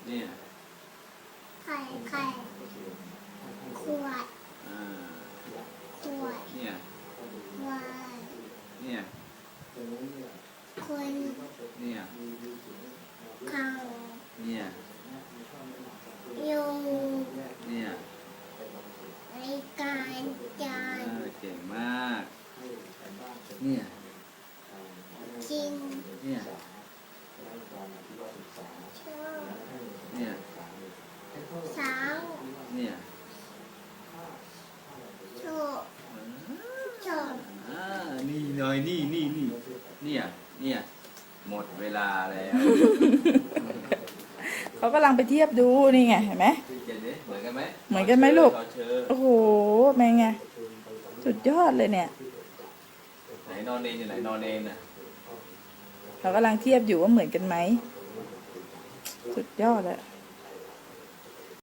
เนี่ยไข่ขวดขวดเนี่ยวานเนี่ยคนเนี่ยขังเนี่ยยุงเนี่ยรายการจานเก่งมากเนี่ยกินเนี่ยชอบเนี่ยสาวเนี่ยโชว์ชอบนี่หน่อยนี่เนี่ยหมดเวลาแล้วเขากำลังไปเทียบดูนี่ไงเห็นไหมเจนนี่เหมือนกันไหมเหมือนกันไหมลูกขอเชิญโอ้โหแม่ไงสุดยอดเลยเนี่ยไหนนอนเนนอยู่ไหนนอนเนนน่ะเขากำลังเทียบอยู่ว่าเหมือนกันไหมสุดยอดเลย